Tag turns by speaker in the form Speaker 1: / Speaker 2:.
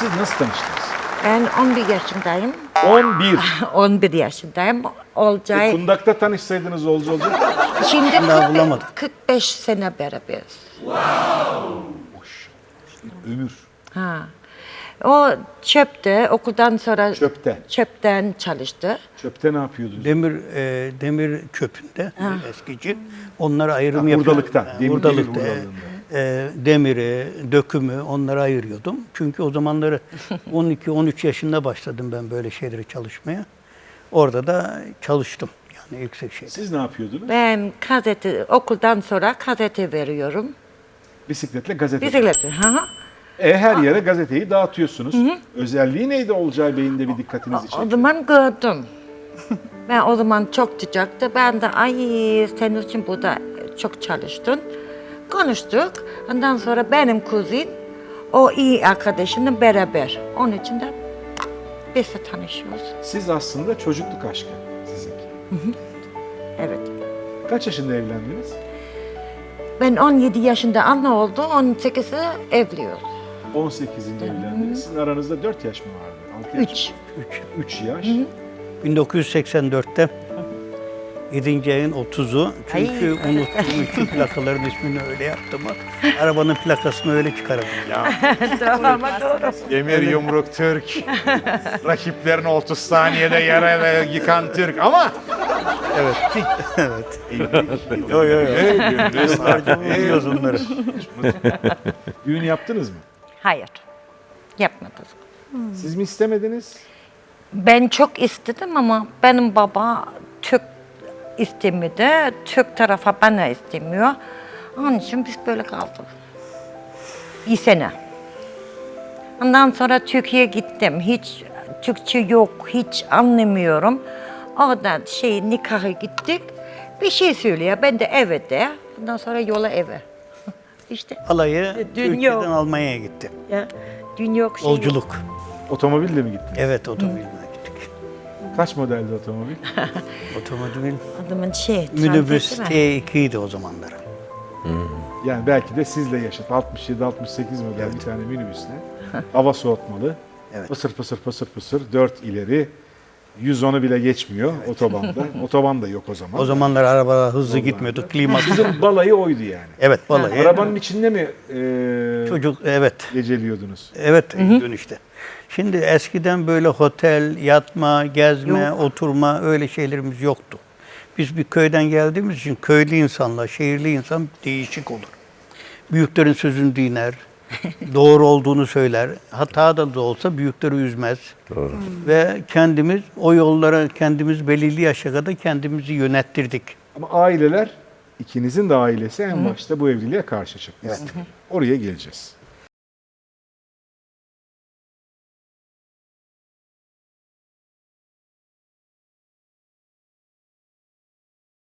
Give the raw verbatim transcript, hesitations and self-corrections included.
Speaker 1: Siz nasıl tanıştınız?
Speaker 2: Ben on bir yaşındayım.
Speaker 1: on bir.
Speaker 2: on bir yaşındayım.
Speaker 1: E,
Speaker 2: Olcay.
Speaker 1: Kundak'ta tanışsaydınız olcu olacak.
Speaker 2: Şimdi
Speaker 3: Daha
Speaker 2: kırk-
Speaker 3: bulamadım.
Speaker 2: kırk beş sene beraberiz.
Speaker 1: Ömür.
Speaker 2: Ha. O çöpte, okuldan sonra
Speaker 1: Çöpte.
Speaker 2: çöpten çalıştı.
Speaker 1: Çöpte ne yapıyordunuz?
Speaker 3: Demir e, demir çöpünde eskici. Onlara ayrım
Speaker 1: Ha,
Speaker 3: yapıyordum.
Speaker 1: hurdalıkta,
Speaker 3: Ha,
Speaker 1: demir-
Speaker 3: hurdalıkta,
Speaker 1: demir
Speaker 3: e,
Speaker 1: hurdalığında.
Speaker 3: e, demiri, dökümü onlara ayırıyordum. Çünkü o zamanları on iki on üç yaşında başladım ben böyle şeyleri çalışmaya. Orada da çalıştım. Yani yüksek şeyde.
Speaker 1: Siz ne yapıyordunuz?
Speaker 2: Ben gazete, okuldan sonra gazete veriyorum.
Speaker 1: Bisikletle gazete.
Speaker 2: Bisiklet. Ha.
Speaker 1: E, her yere gazeteyi dağıtıyorsunuz. Özelliği neydi Olcay Bey'in de bir dikkatinizi
Speaker 2: O
Speaker 1: çekti?
Speaker 2: zaman gördüm. Ben o zaman çok sıcaktı. Ben de ay senin için burada çok çalıştın. Konuştuk. Ondan sonra benim kuzin o iyi arkadaşımla beraber. Onun için de biz de tanışıyoruz.
Speaker 1: Siz aslında çocukluk aşkı sizinki.
Speaker 2: Evet.
Speaker 1: Kaç yaşında evlendiniz?
Speaker 2: Ben on yedi yaşında anne oldu. on sekizde evliyoruz.
Speaker 1: on sekizinde evlendiniz. Sizin aranızda dört yaş mı vardı? altı yaş
Speaker 2: Üç.
Speaker 1: mı? üç yaş.
Speaker 3: bin dokuz yüz seksen dörtte yedinci ayın otuzu. Çünkü
Speaker 2: Ay.
Speaker 3: unuttuğum için plakaların ismini öyle yaptım. Arabanın plakasını öyle çıkardım.
Speaker 2: Tamam, doğru.
Speaker 1: Demir yumruk Türk. Rakiplerini otuz saniyede yere yıkan Türk ama
Speaker 3: Evet. evet. Yo yo yo. Biliyoruz onları.
Speaker 1: düğün yaptınız mı?
Speaker 2: Hayır. Yapmadık.
Speaker 1: Siz mi istemediniz?
Speaker 2: Ben çok istedim ama benim baba Türk istemedi. Türk tarafı bana istemiyor. Onun için biz böyle kaldık. Bir sene. Ondan sonra Türkiye'ye gittim. Hiç Türkçe yok, hiç anlamıyorum. Oradan şey nikaha gittik. Bir şey söylüyor. Ben de evet de. Ondan sonra yola eve. İşte
Speaker 3: Alayı
Speaker 2: Dün
Speaker 3: Türkiye'den
Speaker 2: yok.
Speaker 3: Almanya'ya gitti.
Speaker 2: ya, dün yok şey.
Speaker 3: Yolculuk.
Speaker 1: Otomobille mi gittiniz?
Speaker 3: Evet otomobiline gittik.
Speaker 1: Kaç modeldi otomobil?
Speaker 3: Otomobil
Speaker 2: Adamın şey.
Speaker 3: minibüs
Speaker 2: transisi mi?
Speaker 3: T iki idi o zamanlar.
Speaker 1: Yani belki de sizle yaşat. altmış yedi altmış sekiz model bir tane minibüsle. Hava soğutmalı.
Speaker 3: Evet.
Speaker 1: Pısır pısır pısır pısır. dört ileri. yüz onu bile geçmiyor otobanda. Otoban da yok o zaman.
Speaker 3: O zamanlar arabalar hızlı gitmiyordu. Klima.
Speaker 1: Sizin balayı oydu yani.
Speaker 3: Evet balayı.
Speaker 1: Arabanın içinde mi e,
Speaker 3: Çocuk evet.
Speaker 1: geceliyordunuz?
Speaker 3: Evet dönüşte. Şimdi eskiden böyle otel, yatma, gezme, oturma öyle şeylerimiz yoktu. Biz bir köyden geldiğimiz için köylü insanla şehirli insan değişik olur. Büyüklerin sözünü dinler, doğru olduğunu söyler. Hata da olsa büyükleri üzmez.
Speaker 4: Doğru.
Speaker 3: Ve kendimiz o yollara kendimiz belirli yaşa kadar kendimizi yönettirdik.
Speaker 1: Ama aileler, ikinizin de ailesi en başta bu evliliğe karşı çıkmış. Oraya geleceğiz.